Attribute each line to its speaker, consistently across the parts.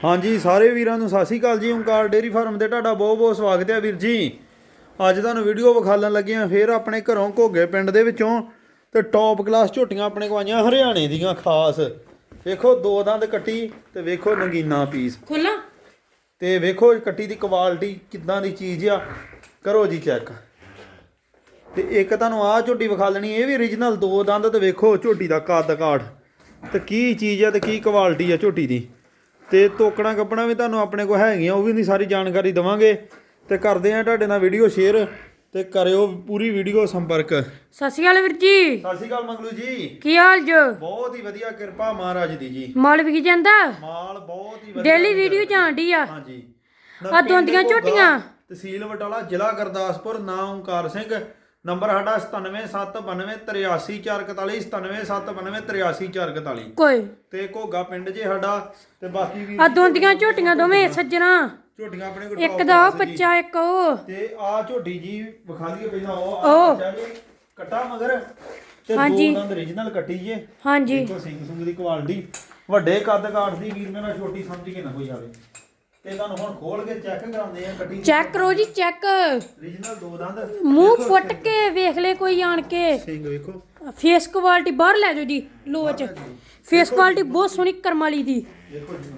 Speaker 1: ਹਾਂਜੀ ਸਾਰੇ ਵੀਰਾਂ ਨੂੰ ਸਤਿ ਸ਼੍ਰੀ ਅਕਾਲ ਜੀ। ਓਂਕਾਰ ਡੇਅਰੀ ਫਾਰਮ ਤੇ ਤੁਹਾਡਾ ਬਹੁਤ ਬਹੁਤ ਸਵਾਗਤ ਹੈ ਵੀਰ ਜੀ। ਅੱਜ ਤੁਹਾਨੂੰ ਵੀਡੀਓ ਵਿਖਾਲਣ ਲੱਗੇ ਆ ਫੇਰ ਆਪਣੇ ਘਰੋਂ ਘੋਗੇ ਪਿੰਡ ਦੇ ਵਿੱਚੋਂ ਤੇ ਟੌਪ ਕਲਾਸ ਝੋਟੀਆਂ ਆਪਣੇ ਕੋਲ ਆਈਆਂ ਹਰਿਆਣੇ ਦੀਆਂ ਖਾਸ। ਵੇਖੋ ਦੋ ਦੰਦ ਕੱਟੀ ਤੇ ਵੇਖੋ ਨਗੀਨਾ ਪੀਸ
Speaker 2: ਖੋਲਾ
Speaker 1: ਤੇ ਵੇਖੋ ਕੱਟੀ ਦੀ ਕੁਆਲਿਟੀ ਕਿੱਦਾਂ ਦੀ ਚੀਜ਼ ਆ, ਕਰੋ ਜੀ ਚੈੱਕ। ਤੇ ਇੱਕ ਤੁਹਾਨੂੰ ਆਹ ਝੋਟੀ ਵਿਖਾ ਲੈਣੀ, ਇਹ ਵੀ origignal ਦੋ ਦੰਦ। ਤੇ ਵੇਖੋ ਝੋਟੀ ਦਾ ਕੱਦ ਕਾਠ ਤੇ ਕੀ ਚੀਜ਼ ਆ ਤੇ ਕੀ ਕੁਆਲਿਟੀ ਆ ਝੋਟੀ ਦੀ। ਤੇ ਤੋਕਣਾ ਕੱਪਣਾ ਵੀ ਤੁਹਾਨੂੰ ਆਪਣੇ ਕੋਲ ਹੈਗੀਆਂ, ਉਹ ਵੀ ਨਹੀਂ ਸਾਰੀ ਜਾਣਕਾਰੀ ਦਵਾਂਗੇ। ਤੇ ਕਰਦੇ ਆ ਤੁਹਾਡੇ ਨਾਲ ਵੀਡੀਓ ਸ਼ੇਅਰ ਤੇ ਕਰਿਓ ਪੂਰੀ ਵੀਡੀਓ ਸੰਪਰਕ।
Speaker 2: ਸਤਿ ਸ਼੍ਰੀ ਅਕਾਲ ਵੀਰ ਜੀ।
Speaker 1: ਸਤਿ ਸ਼੍ਰੀ ਅਕਾਲ ਮੰਗਲੂ ਜੀ।
Speaker 2: ਕੀ ਹਾਲ ਜੋ?
Speaker 1: ਬਹੁਤ ਹੀ ਵਧੀਆ, ਕਿਰਪਾ ਮਹਾਰਾਜ ਦੀ ਜੀ।
Speaker 2: ਮਾਲ ਵਿਕ ਜਾਂਦਾ?
Speaker 1: ਮਾਲ ਬਹੁਤ ਹੀ ਵਧੀਆ,
Speaker 2: ਡੇਲੀ ਵੀਡੀਓ ਜਾਂਦੀ ਆ।
Speaker 1: ਹਾਂਜੀ
Speaker 2: ਆ ਦੋਂਦੀਆਂ ਝੋਟੀਆਂ,
Speaker 1: ਤਹਿਸੀਲ ਬਟਾਲਾ, ਜ਼ਿਲ੍ਹਾ ਗੁਰਦਾਸਪੁਰ। ਨਾਮ ਓਂਕਾਰ ਸਿੰਘ। ਨੰਬਰ ਸਾਡਾ 9779283441, 9779283441
Speaker 2: ਕੋਈ
Speaker 1: ਤੇ ਘੋਗਾ ਪਿੰਡ ਜੇ ਸਾਡਾ। ਤੇ ਬਾਕੀ ਵੀ
Speaker 2: ਆ ਦੋਂਦੀਆਂ ਝੋਟੀਆਂ ਦੋਵੇਂ ਸੱਜਣਾ,
Speaker 1: ਝੋਟੀਆਂ ਆਪਣੇ ਕੋਲ
Speaker 2: ਇੱਕ ਦਾ ਉਹ ਬੱਚਾ ਇੱਕ ਉਹ।
Speaker 1: ਤੇ ਆ ਝੋਟੀ ਜੀ ਵਿਖਾ ਲਈਏ ਪਹਿਲਾਂ ਉਹ
Speaker 2: ਉਹ।
Speaker 1: ਬੱਚਾ ਜੀ ਕੱਟਾ ਮਗਰ ਤੇ
Speaker 2: ਹਾਂਜੀ।
Speaker 1: ਦੋ ਦੰਦ origignal ਕੱਟੀ ਜੇ।
Speaker 2: ਹਾਂਜੀ
Speaker 1: ਦੇਖੋ ਸਿੰਘ ਸੁੰਗ ਦੀ ਕੁਆਲਿਟੀ, ਵੱਡੇ ਕੱਦ ਕਾਠ ਦੀ। ਵੀਰ ਮੇਰਾ ਛੋਟੀ ਸਮਝ ਕੇ ਨਾ ਕੋਈ ਆਵੇ। ਤੇ ਤੁਹਾਨੂੰ ਹੁਣ ਖੋਲ ਕੇ ਚੈੱਕ ਕਰਾਉਂਦੇ ਆ ਕੱਟੀ।
Speaker 2: ਚੈੱਕ ਕਰੋ ਜੀ, ਚੈੱਕ।
Speaker 1: origignal ਦੋ ਦੰਦ,
Speaker 2: ਮੂੰਹ ਪੁੱਟ ਕੇ ਵੇਖ ਲੈ ਕੋਈ ਆਣ ਕੇ।
Speaker 1: ਸਿੰਘ ਵੇਖੋ,
Speaker 2: ਫੇਸ ਕੁਆਲਿਟੀ ਬਾਹਰ ਲੈ ਜਾਓ ਜੀ ਲੋਚ। ਫੇਸ ਕੁਆਲਿਟੀ ਬਹੁਤ ਸੋਹਣੀ ਕਰਮ ਵਾਲੀ ਦੀ।
Speaker 1: ਦੇਖੋ ਜੀ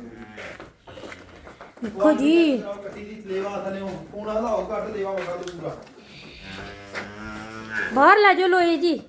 Speaker 2: ਦੇਖੋ ਜੀ
Speaker 1: ਕੱਟੀ ਦੀ ਲੇਵਾ ਥਲੇ ਹੁਣ ਹਲਾਓ ਘੱਟ ਲੇਵਾ ਵਗਾ ਦੋ ਪੂਰਾ।
Speaker 2: ਬਾਹਰ ਲੈ ਜਾਓ ਲੋਏ ਜੀ।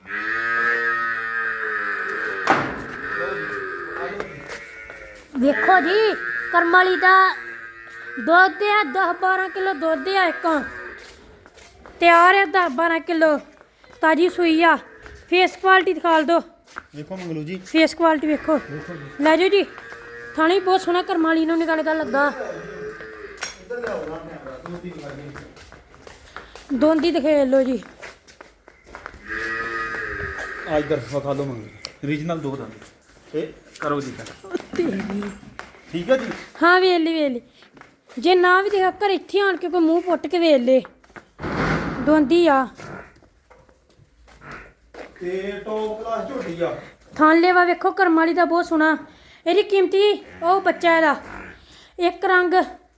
Speaker 2: ਦੇਖੋ ਜੀ ਕਰਮ ਵਾਲੀ ਦਾ ਦੁੱਧ ਆ 10-12 ਕਿਲੋ ਦੁੱਧ ਆ। ਇੱਕ ਤਿਆਰ ਹੈ 10-12 ਕਿਲੋ, ਤਾਜੀ ਸੂਈ ਆ। ਫੇਸ ਕੁਆਲਿਟੀ ਦਿਖਾ ਦੋ।
Speaker 1: ਵੇਖੋ ਮੰਗਲੂ ਜੀ,
Speaker 2: ਫੇਸ ਕੁਆਲਿਟੀ ਵੇਖੋ। ਲੈ ਜਾਓ ਜੀ। ਥਾਣੀ ਬਹੁਤ ਸੋਹਣਾ ਕਰਮ ਵਾਲੀ ਨੂੰ ਨਿਕਲ ਕੇ ਲੱਗਾ।
Speaker 1: ਇੱਧਰ ਲਿਆਓ ਨਾ ਕੈਮਰਾ, ਦੋਤੀ ਵਿਖਾ ਦੇ।
Speaker 2: ਦੋਂਦੀ ਦਿਖੇ ਲੋ ਜੀ।
Speaker 1: ਆ ਇੱਧਰ ਵਿਖਾ ਦੋ ਮੰਗਲੂ, origignal ਦੋ ਦੰਦ। ਇਹ ਕਰੋ ਜੀ ਠੀਕ ਹੈ ਜੀ।
Speaker 2: ਹਾਂ ਵੇਲੀ ਵੇਲੀ, ਜੇ ਨਾ ਵੀ ਦੇਖਾ ਘਰ ਇੱਥੇ ਆਣ ਕੇ ਕੋਈ ਮੂੰਹ ਪੁੱਟ ਕੇ ਵੇਖ ਲੈ। ਦੋਂਦੀ ਆ
Speaker 1: ਤੇ ਟੌਪ ਕਲਾਸ ਝੋਟੀ ਆ।
Speaker 2: ਥਾਂ ਲੈਵਾ ਵੇਖੋ ਕਰਮ ਵਾਲੀ ਦਾ ਬਹੁਤ ਸੋਹਣਾ। ਇਹਦੀ ਕੀਮਤੀ ਉਹ ਬੱਚਾ ਇਹਦਾ ਇੱਕ ਰੰਗ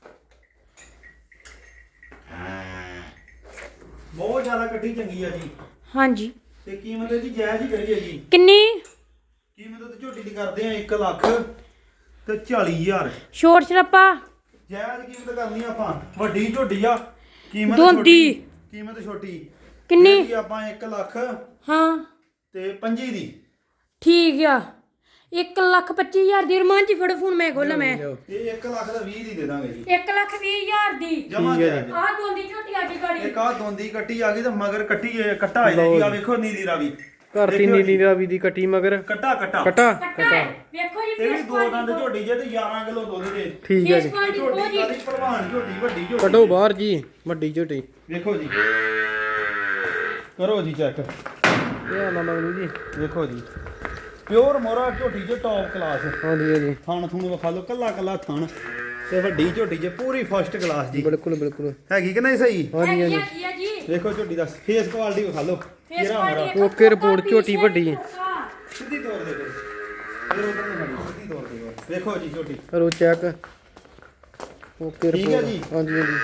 Speaker 1: ਬਹੁਤ ਜ਼ਿਆਦਾ ਕੱਟੀ ਚੰਗੀ ਆ ਜੀ।
Speaker 2: ਹਾਂਜੀ।
Speaker 1: ਤੇ ਕੀਮਤ ਇਹਦੀ ਜਾਇਜ਼ ਹੀ ਕਰੀਏ ਜੀ।
Speaker 2: ਕਿੰਨੀ
Speaker 1: ਕੀਮਤ ਤੇ ਝੋਟੀ ਦੀ ਕਰਦੇ ਆ 1 ਲੱਖ ਤੇ 40,000।
Speaker 2: ਛੋਟ ਛੜੱਪਾ
Speaker 1: ਜਾਇਜ਼ ਕੀਮਤ ਕਰਨੀ ਆਪਾਂ। ਵੱਡੀ ਝੋਟੀ ਆ, ਕੀਮਤ
Speaker 2: ਦੋਂਦੀ
Speaker 1: ਕੀਮਤ ਛੋਟੀ।
Speaker 2: ਕਿੰਨੀ?
Speaker 1: ਇਹਦੀ ਆਪਾਂ 1 ਲੱਖ
Speaker 2: ਹਾਂ
Speaker 1: ਤੇ 25 ਦੀ।
Speaker 2: ਠੀਕ ਆ। 1,25,000 ਦੀ। ਰਮਾਨ ਜੀ ਫੜੋ ਫੋਨ, ਮੈਂ ਖੋਲਾਂ। ਮੈਂ
Speaker 1: ਇਹ 1 ਲੱਖ ਦਾ 20 ਦੀ ਦੇ ਦਾਂਗੇ ਜੀ।
Speaker 2: 1,20,000 ਦੀ
Speaker 1: ਜਮਾ ਜਾਇਜ਼।
Speaker 2: ਆਹ ਦੋਂਦੀ ਝੋਟੀ ਆ ਗਈ ਗਾੜੀ।
Speaker 1: ਇੱਕ ਆ ਦੋਂਦੀ ਕੱਟੀ ਆ ਗਈ ਤੇ ਮਗਰ ਕੱਟੀ ਕੱਟਾ ਆ ਜਾਏਗੀ। ਆ ਵੇਖੋ ਨੀਲੀ ਰਾਵੀ
Speaker 3: ਧਰਤੀ ਨੀਲੀ ਰਾਵੀ ਦੀ ਕੱਟੀ ਮਗਰ
Speaker 1: ਕੱਟਾ ਕੱਟਾ
Speaker 3: ਕਟਾ
Speaker 2: ਕੱਟਾ ਹੈ। ਵੇਖੋ ਜੀ
Speaker 1: ਇਹ ਵੀ
Speaker 2: ਫੇਸ
Speaker 1: ਦੋ ਦੰਦ ਝੋਟੀ ਜੇ ਤੇ 11 ਕਿਲੋ ਦੁੱਧ ਦੇ।
Speaker 3: ਠੀਕ ਹੈ
Speaker 2: ਫੇਸ
Speaker 3: ਜੀ।
Speaker 2: ਕੁਆਲਿਟੀ ਬਹੁਤ
Speaker 1: ਝੋਟੀ
Speaker 2: ਜੀ।
Speaker 1: ਕਾਦੀ ਭਲਵਾਨ ਝੋਟੀ, ਵੱਡੀ ਝੋਟੀ।
Speaker 3: ਕੱਢੋ ਬਾਹਰ ਜੀ ਵੱਡੀ ਝੋਟੀ।
Speaker 1: ਵੇਖੋ ਜੀ, ਕਰੋ ਜੀ ਚੈੱਕ।
Speaker 3: ਇਹ ਨਾ ਮਗਲੂ ਜੀ।
Speaker 1: ਵੇਖੋ ਜੀ, ਪਿਓਰ ਮੋਰਾ ਝੋਟੀ ਜੇ ਟੌਪ ਕਲਾਸ।
Speaker 3: ਹਾਂਜੀ ਹਾਂਜੀ
Speaker 1: ਥਣ ਥੂਣ ਵਿਖਾ ਲਓ, ਕੱਲਾ ਕੱਲਾ ਥਣ ਤੇ ਵੱਡੀ ਝੋਟੀ ਜੇ ਪੂਰੀ ਫਸਟ ਕਲਾਸ ਜੀ।
Speaker 3: ਬਿਲਕੁਲ ਬਿਲਕੁਲ।
Speaker 1: ਹੈਗੀ ਕਿ ਨਹੀਂ ਸਹੀ?
Speaker 3: ਹਾਂਜੀ ਹਾਂਜੀ।
Speaker 2: ਕੀ ਆ ਜੀ?
Speaker 1: ਵੇਖੋ ਝੋਟੀ ਦਾ ਫੇਸ ਕੁਆਲਿਟੀ ਵਿਖਾ ਲਓ।
Speaker 2: ਫੇਸ
Speaker 1: ਕਿਹੜਾ
Speaker 2: ਕੁਆਲਿਟੀ
Speaker 1: ਮੋਰਾ
Speaker 3: ਓਕੇ ਰਿਪੋਰਟ ਝੋਟੀ ਵੱਡੀ ਹੈ।
Speaker 1: ਸਿੱਧੀ ਤੋੜ ਦੇ ਦੇ। ਫਿਰ ਉਧਰ ਨੂੰ ਖੜੀ, ਸਿੱਧੀ ਤੋੜ ਦੇ ਦੇ। ਵੇਖੋ ਜੀ ਝੋਟੀ
Speaker 3: ਕਰੋ ਚੈੱਕ। ਓਕੇ
Speaker 1: ਠੀਕ ਹੈ
Speaker 3: ਰਿਪੋਰਟ।
Speaker 1: ਜੀ।
Speaker 3: ਹਾਂਜੀ ਹਾਂਜੀ।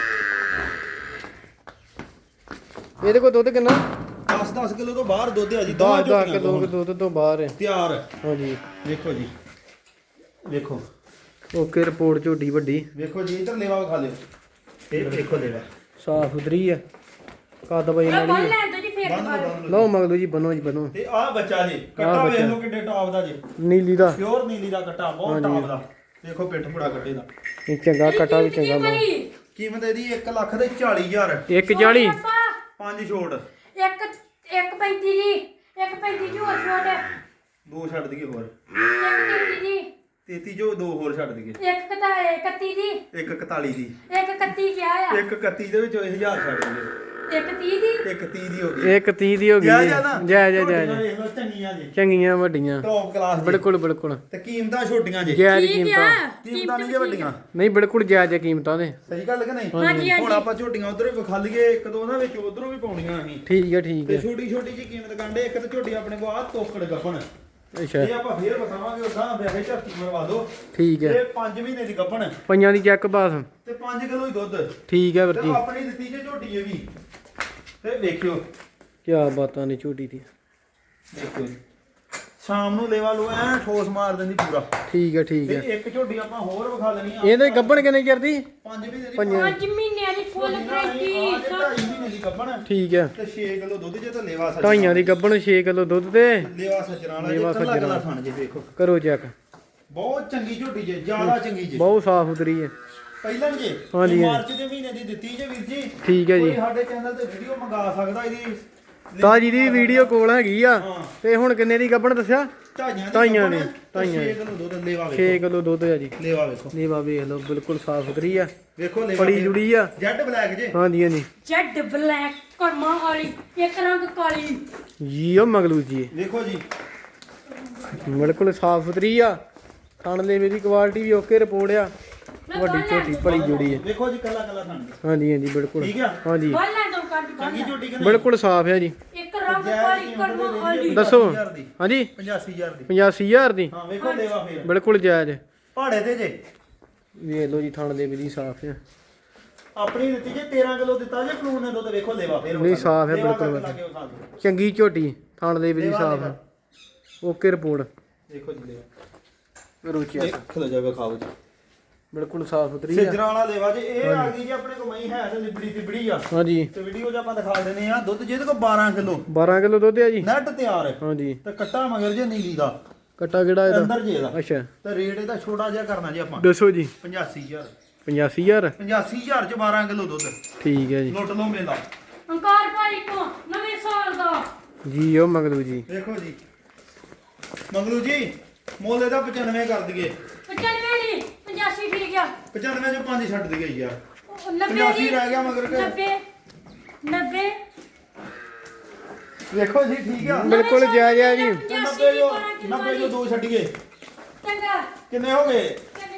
Speaker 3: ਇਹਦੇ ਕੋਲ ਦੁੱਧ ਕਿੰਨਾ?
Speaker 1: 10 ਕਿਲੋ ਤੋਂ ਬਾਹਰ ਦੁੱਧ ਆ ਜੀ।
Speaker 3: 10
Speaker 1: ਝੋਟੀਆਂ
Speaker 3: ਕਿਲੋ
Speaker 1: ਕੋਲ
Speaker 3: ਦੁੱਧ ਤੋਂ ਬਾਹਰ ਹੈ।
Speaker 1: ਤਿਆਰ ਹੈ।
Speaker 3: ਹਾਂਜੀ।
Speaker 1: ਵੇਖੋ ਜੀ, ਵੇਖੋ
Speaker 3: ਓਕੇ ਰਿਪੋਰਟ ਝੋਟੀ ਵੱਡੀ।
Speaker 1: ਵੇਖੋ ਜੀ, ਇੱਧਰ ਲੇਵਾ ਵਿਖਾ ਲਿਓ। ਇਹ ਵੇਖੋ ਲੇਵਾ
Speaker 3: ਸਾਫ ਸੁਥਰੀ ਹੈ। ਕੱਦ ਬਈ
Speaker 2: ਬੰਨ
Speaker 3: ਮਾੜੀ ਹੈ।
Speaker 2: ਲੈਣ ਦੋ ਜੀ ਫੇਰ
Speaker 1: ਬੰਦ
Speaker 2: ਦੁਬਾਰਾ।
Speaker 1: ਲਓ।
Speaker 3: ਲਓ ਮਗਲੂ ਜੀ ਬਣੋ ਜੀ ਬਣੋ।
Speaker 1: ਤੇ ਆਹ ਬੱਚਾ ਜੀ, ਕੱਟਾ ਵੇਖ ਲਓ ਕਿੱਡੇ ਟੌਪ ਦਾ ਜੀ।
Speaker 3: ਨੀਲੀ ਦਾ
Speaker 1: ਪਿਓਰ ਨੀਲੀ ਦਾ ਕੱਟਾ, ਬਹੁਤ ਟੌਪ ਦਾ। ਦੇਖੋ ਪਿੱਠ ਪੁੜਾ ਕੱਟੇ ਦਾ।
Speaker 3: ਇਹ ਚੰਗਾ ਕਟਾ ਵੀ ਚੰਗਾ ਮਾ।
Speaker 1: ਕੀਮਤ ਇਹਦੀ 1 ਲੱਖ ਤੇ 40,000।
Speaker 3: 140।
Speaker 1: 5 ਛੋੜ,
Speaker 2: ਇੱਕ 1,35 ਜੀ। 1,35 ਜੀ ਹੋਰ ਛੋਟ ਹੈ।
Speaker 1: 2 ਛੱਡ ਦਈਏ ਹੋਰ।
Speaker 2: 1,33 ਜੀ।
Speaker 1: 33 ਜੋ 2 ਹੋਰ ਛੱਡ ਦਈਏ।
Speaker 2: 1,31 ਜੀ।
Speaker 1: 1,41 ਦੀ।
Speaker 2: 1,31 ਕਿਹਾ ਆ।
Speaker 1: 1,31 ਦੇ ਵਿੱਚੋਂ 1000 ਛੱਡ ਦਈਏ।
Speaker 2: 1,30 ਦੀ।
Speaker 1: 1,30 ਦੀ ਹੋ ਗਈ।
Speaker 3: 130 ਦੀ ਹੋ ਗਈ।
Speaker 1: ਜਾਇਜ਼ ਆ ਨਾ?
Speaker 3: ਜੈ ਜੈ
Speaker 1: ਝੋਟੀਆਂ
Speaker 3: ਜੈ
Speaker 1: ਵੇਖ ਲਓ ਚੰਗੀਆਂ ਜੀ,
Speaker 3: ਚੰਗੀਆਂ ਵੱਡੀਆਂ।
Speaker 1: ਟੌਪ ਕਲਾਸ ਜੀ।
Speaker 3: ਬਿਲਕੁਲ ਬਿਲਕੁਲ
Speaker 1: ਤੇ ਕੀਮਤਾਂ ਛੋਟੀਆਂ ਜੀ।
Speaker 3: ਜਾਇਜ਼
Speaker 2: ਠੀਕ
Speaker 3: ਕੀਮਤਾਂ।
Speaker 2: ਆ।
Speaker 1: ਕੀਮਤਾਂ ਨਹੀਂ ਜੇ ਵੱਡੀਆਂ।
Speaker 3: ਨਹੀਂ ਬਿਲਕੁਲ ਜਾਇਜ਼ ਕੀਮਤਾਂ ਨੇ।
Speaker 1: ਸਹੀ ਗੱਲ ਕਿ ਨਹੀਂ?
Speaker 2: ਹਾਂਜੀ
Speaker 1: ਹੁਣ
Speaker 2: ਹਾਂਜੀ।
Speaker 1: ਆਪਾਂ ਝੋਟੀਆਂ ਉਧਰ ਵੀ ਵਿਖਾ ਲਈਏ, ਇੱਕ ਦੋ ਉਹਨਾਂ ਵਿੱਚ ਉਧਰੋਂ ਵੀ ਪਾਉਣੀਆਂ ਅਸੀਂ।
Speaker 3: ਠੀਕ ਹੈ ਠੀਕ
Speaker 1: ਤੇ
Speaker 3: ਹੈ।
Speaker 1: ਛੋਟੀ ਛੋਟੀ ਜੀ ਕੀਮਤ ਕਾਂਡੇ। ਇੱਕ ਤਾਂ ਝੋਟੀ ਆਪਣੇ ਕੋਲ ਆ ਤੋਕੜ ਗੱਪਣ।
Speaker 3: ਅੱਛਾ
Speaker 1: ਇਹ ਆਪਾਂ ਫੇਰ ਬਤਾਵਾਂਗੇ ਉਦਾਂ ਵੈਸੇ ਝਰਤੀ ਮਰਵਾ ਦੋ
Speaker 3: ਠੀਕ ਹੈ
Speaker 1: ਇਹ 5 ਮਹੀਨੇ ਦੀ ਗੱਭਣ
Speaker 3: ਪੰਜਾਂ ਦੀ ਚੈੱਕ ਪਾਸ
Speaker 1: ਤੇ 5 ਕਿਲੋ ਹੀ ਦੁੱਧ
Speaker 3: ਠੀਕ ਹੈ ਵੀਰ
Speaker 1: ਤੇ
Speaker 3: ਜੀ
Speaker 1: ਆਪਣੀ ਦਿੱਤੀ ਜੇ ਝੋਟੀ ਇਹ ਵੀ ਤੇ ਵੇਖਿਓ
Speaker 3: ਕੀ ਬਾਤਾਂ ਨੇ ਝੋਟੀ ਦੀ
Speaker 1: ਦੇਖੋ ਜੀ ਸ਼ਾਮ ਨੂੰ ਲੇਵਾ ਲੋ ਐ ਠੋਸ ਮਾਰ ਦਿੰਦੀ ਪੂਰਾ
Speaker 3: ਠੀਕ ਹੈ ਠੀਕ
Speaker 1: ਤੇ
Speaker 3: ਹੈ
Speaker 1: ਇੱਕ ਝੋਟੀ ਆਪਾਂ ਹੋਰ ਵਿਖਾ ਲੈਣੀ ਆ
Speaker 3: ਇਹਦੇ ਗੱਬਣ ਕਿੰਨੇ ਚਿਰ ਦੀ
Speaker 1: 5 ਮਹੀਨੇ ਦੀ
Speaker 2: 5 ਮਹੀਨਿਆਂ ਦੀ ਫੁੱਲ ਗਰੰਟੀ
Speaker 1: 2.5 ਮਹੀਨੇ ਦੀ ਗੱਭਣ
Speaker 3: ਠੀਕ ਹੈ
Speaker 1: ਤੇ 6 ਕਿਲੋ ਦੁੱਧ ਜੇ ਤਾਂ ਲੇਵਾ ਸੱਜਣਾ
Speaker 3: ਢਾਈਆਂ ਦੀ ਗੱਬਣ 6 ਕਿਲੋ ਦੁੱਧ ਤੇ
Speaker 1: ਲੇਵਾ ਸੱਜਣਾ ਵਾਲਾ
Speaker 3: ਲੇਵਾ
Speaker 1: ਜੇ ਕੱਲਾ
Speaker 3: ਸੱਜਣਾ।
Speaker 1: ਕੱਲਾ ਥਣ ਜੇ ਵੇਖੋ
Speaker 3: ਕਰੋ ਚੈੱਕ
Speaker 1: ਬਹੁਤ ਚੰਗੀ ਝੋਟੀ ਜੇ ਜ਼ਿਆਦਾ ਚੰਗੀ ਜੇ
Speaker 3: ਬਹੁਤ ਸਾਫ ਸੁਥਰੀ ਹੈ
Speaker 1: ਪਹਿਲਾਂ ਜੇ
Speaker 3: ਹਾਂਜੀ,
Speaker 1: ਇਹ
Speaker 3: ਹਾਂਜੀ।
Speaker 1: ਮਾਰਚ ਦੇ ਮਹੀਨੇ ਦੀ ਦਿੱਤੀ ਜੇ ਵੀਰ ਜੀ
Speaker 3: ਠੀਕ ਹੈ ਜੀ
Speaker 1: ਕੋਈ ਸਾਡੇ ਚੈਨਲ ਤੇ ਵੀਡੀਓ ਮੰਗਾ ਸਕਦਾ ਇਹਦੀ
Speaker 3: ਤਾਜੀ ਦੀ ਵੀਡੀਓ ਕੋਲ ਹੈਗੀ ਆ
Speaker 1: ਹਾਂ।
Speaker 3: ਤੇ ਹੁਣ ਕਿੰਨੇ ਦੀ ਗੱਬਣ ਦੱਸਿਆ
Speaker 1: ਢਾਈਆਂ ਦੀ
Speaker 3: 6
Speaker 1: ਕਿਲੋ ਦੁੱਧ ਲੇਵਾ
Speaker 3: 6
Speaker 1: ਵੇਖੋ
Speaker 3: ਕਿਲੋ ਦੁੱਧ ਆ ਜੀ
Speaker 1: ਲੇਵਾ ਵੇਖੋ
Speaker 3: ਨੀਵਾ ਵੇਖ ਲਓ ਬਿਲਕੁਲ ਸਾਫ ਸੁਥਰੀ ਆ
Speaker 1: ਵੇਖੋ ਲੇਵਾ
Speaker 3: ਬੜੀ ਜੁੜੀ ਆ
Speaker 1: ਜੈਡ ਬਲੈਕ ਜੇ
Speaker 3: ਹਾਂਜੀ ਹਾਂਜੀ
Speaker 2: ਜੈਡ ਬਲੈਕ ਕਰਮਾ ਵਾਲੀ ਇੱਕ ਰੰਗ ਕਾਲੀ
Speaker 3: ਜੀ ਉਹ ਮਗਲੂ ਜੀ
Speaker 1: ਵੇਖੋ ਜੀ
Speaker 3: ਬਿਲਕੁਲ ਸਾਫ ਸੁਥਰੀ ਆ ਥਣ ਦੇ ਮੇਰੀ ਕੁਆਲਿਟੀ ਵੀ ਓਕੇ ਰਿਪੋਰਟ ਆ ਵੱਡੀ ਝੋਟੀ ਬੜੀ ਜੁੜੀ ਹੈ
Speaker 1: ਵੇਖੋ ਜੀ ਕੱਲਾ ਕੱਲਾ ਥਣ ਜੇ
Speaker 3: ਹਾਂਜੀ ਹਾਂਜੀ ਬਿਲਕੁਲ
Speaker 1: ਠੀਕ ਆ
Speaker 3: ਹਾਂਜੀ
Speaker 2: ਬਾਲਾਂ ਤੋਂ ਕੱਢ
Speaker 1: ਚੰਗੀ ਝੋਟੀ ਕਿ ਨਹੀਂ
Speaker 3: ਬਿਲਕੁਲ ਸਾਫ ਹੈ ਜੀ
Speaker 2: ਇੱਕ ਰੰਗ ਕਾਲੀ ਕਰਮਾ ਵਾਲੀ
Speaker 3: ਦੱਸੋ
Speaker 1: 85,000 ਦੀ
Speaker 3: ਹਾਂਜੀ
Speaker 1: 85,000 ਦੀ
Speaker 3: 85000 ਦੀ
Speaker 1: ਹਾਂ ਵੇਖੋ ਲੇਵਾ ਫੇਰ
Speaker 3: ਬਿਲਕੁਲ ਜਾਇਜ਼
Speaker 1: ਪਹਾੜੇ ਤੇ ਜੇ
Speaker 3: ਵੇਖ ਲਓ ਜੀ ਥਣ ਦੇ ਵੀ ਸਾਫ ਹੈ
Speaker 1: ਆਪਣੀ ਦਿੱਤੀ ਜੇ 13 ਕਿਲੋ ਦਿੱਤਾ ਜੇ ਕਾਨੂੰਨ ਨੇ ਦੁੱਧ ਵੇਖੋ ਲੇਵਾ ਫੇਰ
Speaker 3: ਨਹੀਂ, ਸਾਫ਼ ਹੈ
Speaker 1: ਲੇਵਾ
Speaker 3: ਬਿਲਕੁਲ।
Speaker 1: ਕਰਕੇ ਲਾ ਕੇ ਵਿਖਾ ਦਿਓ।
Speaker 3: ਚੰਗੀ ਝੋਟੀ ਥਣ ਦੇ ਵੀ
Speaker 1: ਲੇਵਾ,
Speaker 3: ਸਾਫ
Speaker 1: ਲੇਵਾ।
Speaker 3: ਓਕੇ ਰਿਪੋਰਟ
Speaker 1: ਦੇਖੋ ਜੀ ਲੇਵਾ
Speaker 3: ਰੋਚਿਆ
Speaker 1: ਦੇਖ ਲੋ ਜਾ ਵਿਖਾਓ ਜੀ
Speaker 3: ਬਿਲਕੁਲ ਸਾਫ ਸੁਥਰੀ ਆ
Speaker 1: ਸਿੱਜਰਾਂ ਵਾਲਾ ਲੇਵਾ ਜੇ ਇਹ ਆ ਗਈ ਜੀ ਆਪਣੇ ਕੋਲ ਮਈ ਹੈ ਤੇ ਲਿਬੜੀ ਤਿਬੜੀ ਆ
Speaker 3: ਹਾਂਜੀ
Speaker 1: ਤੇ ਵੀਡੀਓ 'ਚ ਆਪਾਂ ਦਿਖਾ ਦਿੰਦੇ ਆ ਦੁੱਧ ਜਿਹਦੇ ਕੋਲ 12 ਕਿਲੋ
Speaker 3: 12 ਕਿਲੋ ਦੁੱਧ ਆ ਜੀ
Speaker 1: ਨੈਟ ਤਿਆਰ ਹੈ
Speaker 3: ਹਾਂਜੀ
Speaker 1: ਤੇ ਕੱਟਾ ਮਗਰ ਜੇ ਨੀਲੀ ਦਾ
Speaker 3: ਕੱਟਾ ਕਿਹੜਾ ਇਹਦਾ
Speaker 1: ਅੰਦਰ ਜੇ ਇਹਦਾ
Speaker 3: ਅੱਛਾ
Speaker 1: ਤੇ ਰੇਟ ਇਹਦਾ ਛੋਟਾ ਜਿਹਾ ਕਰਨਾ ਜੀ ਆਪਾਂ
Speaker 3: ਦੱਸੋ ਜੀ
Speaker 1: 85000
Speaker 3: 85000
Speaker 1: 85000 ਚ 12 ਕਿਲੋ ਦੁੱਧ
Speaker 3: ਠੀਕ ਹੈ ਜੀ
Speaker 1: ਲੁੱਟ ਲਓ ਮੇਲਾ
Speaker 2: ਅੰਕਾਰ ਭਾਈ ਕੋ ਨਵੇਂ ਸਾਲ ਦਾ
Speaker 3: ਜੀ ਉਹ ਮਗਲੂ ਜੀ
Speaker 1: ਦੇਖੋ ਜੀ ਮੰਗਲੂ ਜੀ ਮੁੱਲ ਇਹਦਾ 95 ਕਰ ਦਈਏ
Speaker 2: 95 ਨਹੀਂ 85 ਠੀਕ ਆ
Speaker 1: 95 ਚੋਂ 5 ਛੱਡ ਦਈਏ ਯਾਰ
Speaker 2: 90
Speaker 1: 85 ਰਹਿ ਗਿਆ ਮਗਰ ਕੇ
Speaker 2: 90
Speaker 1: ਵੇਖੋ ਜੀ ਠੀਕ ਆ
Speaker 3: ਬਿਲਕੁਲ ਜਾਇਜ਼ ਆ ਜੀ
Speaker 1: ਤੇ 90 ਜੋ 90 ਜੋ ਦੋ ਛੱਡੀਏ
Speaker 2: ਚੰਗਾ
Speaker 1: ਕਿੰਨੇ ਹੋ ਗਏ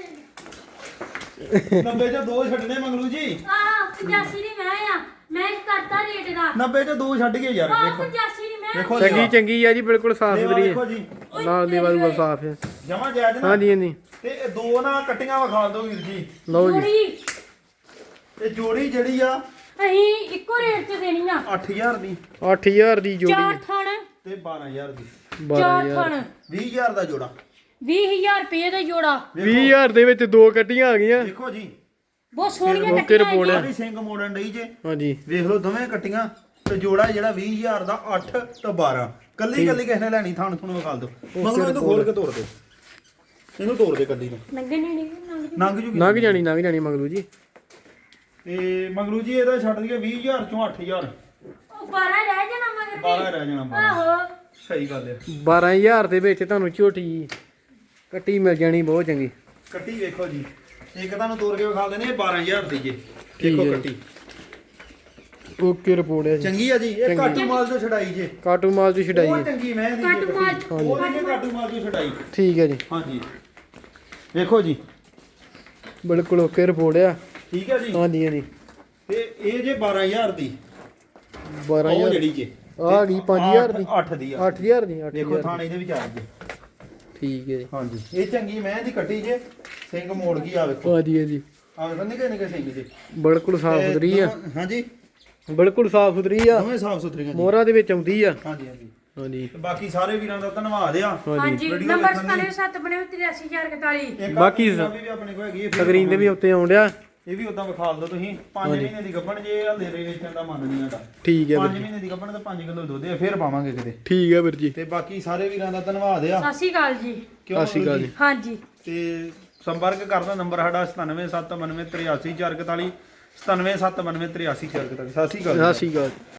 Speaker 1: 90 ਚੋਂ ਦੋ ਛੱਡਨੇ ਮੰਗਲੂ ਜੀ
Speaker 2: ਆ 85 ਦੀ ਮੈਂ ਕਰਤਾ ਰੇਟ ਦਾ
Speaker 1: 90 ਚੋਂ ਦੋ ਛੱਡ ਗਏ ਯਾਰ
Speaker 2: ਆ
Speaker 1: ਵੇਖੋ
Speaker 2: 85 ਦੀ ਮੈਂ
Speaker 1: ਵੇਖੋ
Speaker 3: ਚੰਗੀ ਚੰਗੀ ਆ ਜੀ ਬਿਲਕੁਲ ਸਾਫ
Speaker 1: ਲੇਵਾ
Speaker 3: ਸੁਥਰੀ
Speaker 1: ਵੇਖੋ
Speaker 3: ਹੈ
Speaker 1: ਜੀ
Speaker 3: ਨਾਲ ਦੀ ਵਾਲੂ ਸਾਫ ਹੈ
Speaker 1: ਜਮਾ ਜਾਇਜ਼ ਨਾ
Speaker 3: ਹਾਂਜੀ ਹਾਂਜੀ
Speaker 1: ਤੇ ਇਹ ਦੋ ਨਾ ਕੱਟੀਆਂ ਵਿਖਾ ਦਿਓ ਵੀਰ ਜੀ
Speaker 3: ਲਓ ਜੀ
Speaker 2: ਜੋੜੀ
Speaker 1: ਤੇ ਜੋੜੀ ਜਿਹੜੀ ਆ
Speaker 2: ਅਸੀਂ ਇੱਕੋ ਰੇਟ ਤੇ ਦੇਣੀ ਆ
Speaker 1: 8000 ਦੀ
Speaker 3: 8000 ਦੀ ਜੋੜੀ
Speaker 2: ਚਾਰ
Speaker 3: ਹੈ
Speaker 2: ਥਣ
Speaker 1: ਤੇ 12000 ਦੀ
Speaker 2: ਚਾਰ
Speaker 3: 12000
Speaker 2: ਥਣ
Speaker 1: 20000 ਦਾ ਜੋੜਾ
Speaker 2: 20000 ਰੁਪਏ ਦਾ ਜੋੜਾ
Speaker 3: 20000 ਦੇ ਵਿੱਚ ਦੋ ਕੱਟੀਆਂ ਆ ਗਈਆਂ
Speaker 1: ਦੇਖੋ ਜੀ
Speaker 2: ਬਹੁਤ ਸੋਹਣੀਆਂ
Speaker 3: ਓਕੇ
Speaker 2: ਕੱਟੀਆਂ
Speaker 3: ਰਿਪੋਰਟ ਹੈ।
Speaker 1: ਸਾਰੀ ਸਿੰਘ ਮੋੜਨ ਡਈ ਜੇ
Speaker 3: ਹਾਂਜੀ
Speaker 1: ਵੇਖ ਲਓ ਦੋਵੇਂ ਕੱਟੀਆਂ ਤੇ ਜੋੜਾ ਜਿਹੜਾ 20000 ਦਾ 8 ਤੇ 12 ਕੱਲੀ ਕੱਲੀ ਕਿਸੇ ਨੇ ਲੈਣੀ ਥਾਣ ਤੁਹਾਨੂੰ ਵਿਖਾ ਦਿਓ ਮਗਰੋਂ ਇਹਨੂੰ ਖੋਲ ਕੇ ਤੋੜ ਦਿਓ ਇਹਨੂੰ ਤੋੜ ਦੇ ਕੱਲੀ ਨੂੰ
Speaker 2: ਨੰਗੇ ਨਹੀਂ
Speaker 1: ਨੰਗ ਜੂਗੀ
Speaker 3: ਲੰਘ ਜਾਣੀ ਮਗਲੂ ਜੀ
Speaker 1: ਤੇ ਮੰਗਲੂ ਜੀ ਇਹਦਾ ਛੱਡ ਦਈਏ 20000 ਚੋਂ 8000
Speaker 2: ਉਹ 12 ਰਹਿ ਜਾਣਾ ਮਗਰ
Speaker 1: 12 ਰਹਿ ਜਾਣਾ 12
Speaker 2: ਆਹੋ
Speaker 1: ਸਹੀ ਗੱਲ ਹੈ
Speaker 3: 12000 ਦੇ ਵਿੱਚ ਤੁਹਾਨੂੰ ਝੋਟੀ ਕੱਟੀ ਮਿਲ ਜਾਣੀ ਬਹੁਤ ਚੰਗੀ
Speaker 1: ਕੱਟੀ ਵੇਖੋ ਜੀ ਇੱਕ ਤੁਹਾਨੂੰ ਤੋੜ ਕੇ ਵਿਖਾ ਦਿੰਦੇ ਇਹ 12000 ਦੀ ਜੇ
Speaker 3: ਠੀਕ
Speaker 1: ਦੇਖੋ
Speaker 3: ਹੈ।
Speaker 1: ਕੱਟੀ
Speaker 3: ਓਕੇ ਰਿਪੋਰਟ ਹੈ ਜੀ
Speaker 1: ਚੰਗੀ ਆ ਜੀ ਇਹ ਕਾਟੂ ਮਾਲ ਤੋਂ ਛਡਾਈ ਜੇ
Speaker 3: ਕਾਟੂ ਮਾਲ ਦੀ ਛਡਾਈ
Speaker 1: ਉਹ
Speaker 3: ਹੈ
Speaker 1: ਚੰਗੀ ਮੈਂ ਦੀ
Speaker 2: ਕਾਟੂ ਮਾਲ।
Speaker 1: ਉਹ ਨਹੀਂ ਕਾਟੂ ਮਾਲ ਤੋਂ ਛਡਾਈ
Speaker 3: ਠੀਕ ਹੈ ਜੀ
Speaker 1: ਹਾਂਜੀ ਵੇਖੋ ਜੀ
Speaker 3: ਬਿਲਕੁਲ ਓਕੇ ਰਿਪੋਰਟ ਆ
Speaker 1: ਠੀਕ ਹੈ ਜੀ
Speaker 3: ਹਾਂਜੀ ਹਾਂਜੀ
Speaker 1: ਤੇ ਇਹ ਜੇ 12000 ਦੀ ਉਹ
Speaker 3: 12000
Speaker 1: ਜਿਹੜੀ ਜੇ
Speaker 3: ਆ ਗਈ 5000 ਦੀ
Speaker 1: 8 ਦੀ ਆ
Speaker 3: 8000 ਦੀ
Speaker 1: ਦੇਖੋ
Speaker 3: 8000
Speaker 1: ਥਾਣੇ ਦੇ ਵਿੱਚ ਆ ਜੇ
Speaker 3: ਠੀਕ ਹੈ ਜੀ
Speaker 1: ਹਾਂਜੀ ਇਹ ਚੰਗੀ ਮੈਂ ਦੀ ਕੱਟੀ ਜੇ ਸਿੰਘ ਮੋੜ ਗਈ ਆ ਵੇਖੋ
Speaker 3: ਹਾਂਜੀ ਹਾਂਜੀ
Speaker 1: ਆ ਵੇਖੋ ਨਿੱਕੇ ਨਿੱਕੇ ਸਿੰਘ ਜੇ
Speaker 3: ਬਿਲਕੁਲ ਸਾਫ
Speaker 1: ਤੇ
Speaker 3: ਸੁਥਰੀ ਆ
Speaker 1: ਹਾਂਜੀ
Speaker 3: ਬਿਲਕੁਲ ਸਾਫ ਸੁਥਰੀ ਆ
Speaker 1: ਦੋਵੇਂ ਸਾਫ ਸੁਥਰੀਆਂ ਜੀ
Speaker 3: ਮੋਹਰਾ ਦੇ ਵਿੱਚ ਆਉਂਦੀ ਆ
Speaker 1: ਹਾਂਜੀ ਹਾਂਜੀ
Speaker 3: ਹਾਂਜੀ
Speaker 1: ਤੇ ਬਾਕੀ ਸਾਰੇ ਵੀਰਾਂ ਦਾ ਧੰਨਵਾਦ ਆ
Speaker 2: ਹਾਂਜੀ
Speaker 1: ਵੀਡੀਓ
Speaker 2: ਨੰਬਰ
Speaker 1: ਵੇਖਣ ਲਈ।
Speaker 2: 97 ਬਣੇ 83041
Speaker 1: ਇੱਕ
Speaker 3: ਬਾਕੀ
Speaker 1: ਪੰਜਾਬੀ ਵੀ ਆਪਣੇ ਕੋਲ ਹੈਗੀ ਹੈ, ਫਿਰ
Speaker 3: ਸਕਰੀਨ ਤੇ ਵੀ ਉੱਤੇ ਆਉਂਦਿਆ
Speaker 1: ਇਹ ਵੀ ਉਦਾਂ ਵਿਖਾ ਦਿਓ ਤੁਸੀਂ 5 ਮਹੀਨੇ ਦੀ ਗੱਭਣ ਜੇ ਹਲੇ ਵੇਚਣ ਦਾ ਮਨ ਨਹੀਂ ਆਟਾ
Speaker 3: ਠੀਕ ਹੈ
Speaker 1: 5 ਮਹੀਨੇ ਦੀ ਗੱਭਣ ਤੇ 5 ਕਿਲੋ ਦੁੱਧ ਹੈ ਫਿਰ ਪਾਵਾਂਗੇ ਕਿਤੇ
Speaker 3: ਠੀਕ ਹੈ ਵੀਰ ਜੀ
Speaker 1: ਤੇ ਬਾਕੀ ਸਾਰੇ ਵੀਰਾਂ ਦਾ ਧੰਨਵਾਦ ਆ
Speaker 2: ਸਤਿ ਸ਼੍ਰੀ ਅਕਾਲ ਜੀ
Speaker 1: ਕਿਉਂ
Speaker 3: ਸਤਿ ਸ਼੍ਰੀ ਅਕਾਲ ਜੀ।
Speaker 2: ਹਾਂਜੀ
Speaker 1: ਤੇ ਸੰਪਰਕ ਕਰਦਾ ਨੰਬਰ ਸਾਡਾ 9779383441 9779383441 ਸਤਿ ਸ਼੍ਰੀ ਅਕਾਲ ਜੀ।
Speaker 3: ਸਤਿ ਸ਼੍ਰੀ ਅਕਾਲ